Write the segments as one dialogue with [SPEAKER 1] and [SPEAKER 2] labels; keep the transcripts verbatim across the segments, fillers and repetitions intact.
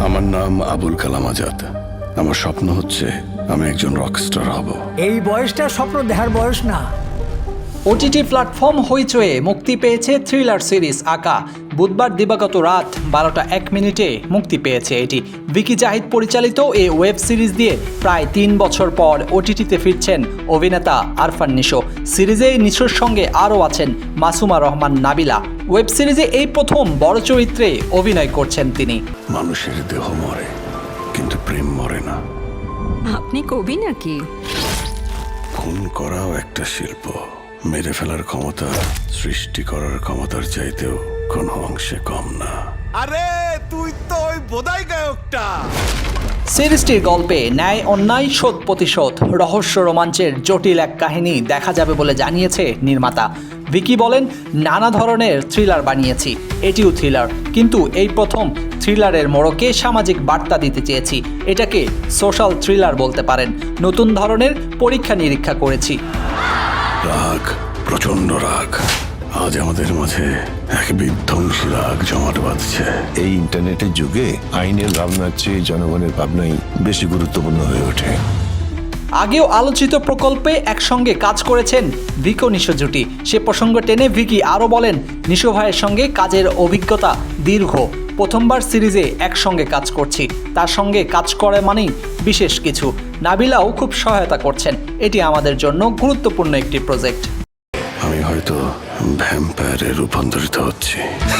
[SPEAKER 1] আমার নাম আবুল কালাম আজাদ। আমার স্বপ্ন হচ্ছে আমি একজন রকস্টার হব।
[SPEAKER 2] এই বয়সটা স্বপ্ন দেখার বয়স না।
[SPEAKER 3] ওটিটি প্ল্যাটফর্ম হইচয়ে মুক্তি পেয়েছে থ্রিলার সিরিজ আকা। বুধবার দিবাগত রাত বারোটা এক মিনিটে মুক্তি পেয়েছে এটি। ভিকি জাহিদ পরিচালিত এই ওয়েব সিরিজ দিয়ে প্রায় তিন বছর পর ওটিটিতে ফিরছেন অভিনেতা আরফান নিশো। সিরিজে নিশোর সঙ্গে আরও আছেন মাসুমা রহমান নাবিলা। ওয়েব সিরিজে এই প্রথম বড় চরিত্রে অভিনয় করছেন তিনি।
[SPEAKER 1] মানুষের দেহ মরে, কিন্তু প্রেম মরে না।
[SPEAKER 4] আপনি কবি নাকি?
[SPEAKER 1] খুন করাও একটা শিল্প। মেরে ফেলার ক্ষমতা সৃষ্টি করার ক্ষমতার চাইতেও কোনো অংশে কম না।
[SPEAKER 5] আরে তুই তো ওই বোধাই গায়কটা।
[SPEAKER 3] সিরিজটির গল্পে ন্যায় অন্যায় শোধ প্রতিশোধ রহস্য রোমাঞ্চের জটিল এক কাহিনী দেখা যাবে বলে জানিয়েছে নির্মাতা। ভিকি বলেন, নানা ধরনের থ্রিলার বানিয়েছি, এটিও থ্রিলার, কিন্তু এই প্রথম থ্রিলারের মোড়কে সামাজিক বার্তা দিতে চেয়েছি। এটাকে সোশ্যাল থ্রিলার বলতে পারেন। নতুন ধরনের পরীক্ষা নিরীক্ষা করেছি।
[SPEAKER 1] রাগ, প্রচন্ড রাগ। আজ আমাদের মাঝে এক বিধ্বংসী রাগ জমাট বাঁধছে।
[SPEAKER 6] এই ইন্টারনেটের যুগে আইনের ভাবনার চেয়ে জনগণের ভাবনাই বেশি গুরুত্বপূর্ণ হয়ে ওঠে।
[SPEAKER 3] আগেও আলোচিত প্রকল্পে একসঙ্গে কাজ করেছেন ভিকি ও নিশো জুটি। সে প্রসঙ্গ টেনে ভিকি আরও বলেন, নিশো ভাইয়ের সঙ্গে কাজের অভিজ্ঞতা দীর্ঘ। প্রথমবার সিরিজে একসঙ্গে কাজ করছি, তার সঙ্গে কাজ করে মানেই বিশেষ কিছু। নাবিলাও খুব সহায়তা করছেন। এটি আমাদের জন্য গুরুত্বপূর্ণ একটি প্রজেক্ট।
[SPEAKER 1] আমি হয়তো ভ্যাম্পায়ারে রূপান্তরিত হচ্ছি।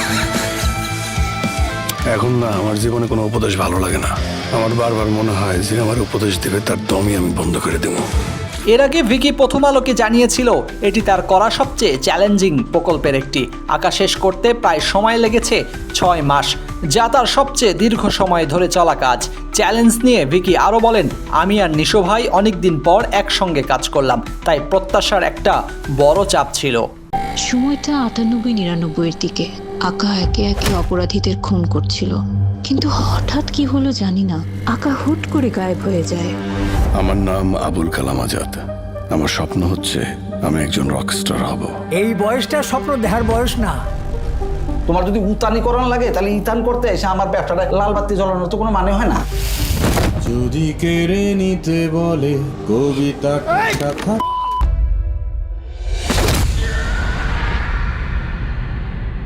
[SPEAKER 1] এখন না, আমার জীবনে কোনো উপদেশ ভালো লাগে না। আমার বারবার মনে হয় যে আমার উপদেশ দেবে তার দমই আমি বন্ধ করে দেবো।
[SPEAKER 3] এর আগে ভিকি প্রথম আলোকে জানিয়েছিল এটি তার করা সবচেয়ে চ্যালেঞ্জিং প্রকল্পের একটি। আঁকা শেষ করতে প্রায় সময় লেগেছে ছয় মাস, যা তার সবচেয়ে দীর্ঘ সময় ধরে চলা কাজ। চ্যালেঞ্জ নিয়ে ভিকি আরও বলেন, আমি আর নিশো ভাই অনেকদিন পর একসঙ্গে কাজ করলাম, তাই প্রত্যাশার একটা বড় চাপ ছিল।
[SPEAKER 7] সময়টা আটানব্বই নিরানব্বইয়ের দিকে। আকা একে একে অপরাধীদের খুন করছিল, কিন্তু হঠাৎ কি হলো জানি না, আকা হুট করে গায়েব হয়ে যায়।
[SPEAKER 1] আমার নাম আবুল কালাম আজাদ। আমার স্বপ্ন হচ্ছে আমি একজন রকস্টার হব।
[SPEAKER 2] এই বয়সটা স্বপ্ন দেখার বয়স না।
[SPEAKER 8] তোমার যদি উতানি করানো লাগে তাহলে ইতান করতে এসে আমার ব্যবসাটা লাল বাতি জ্বলানোর তো কোনো মানে হয় না।
[SPEAKER 5] যদি কেড়ে নিতে বলে কবিতা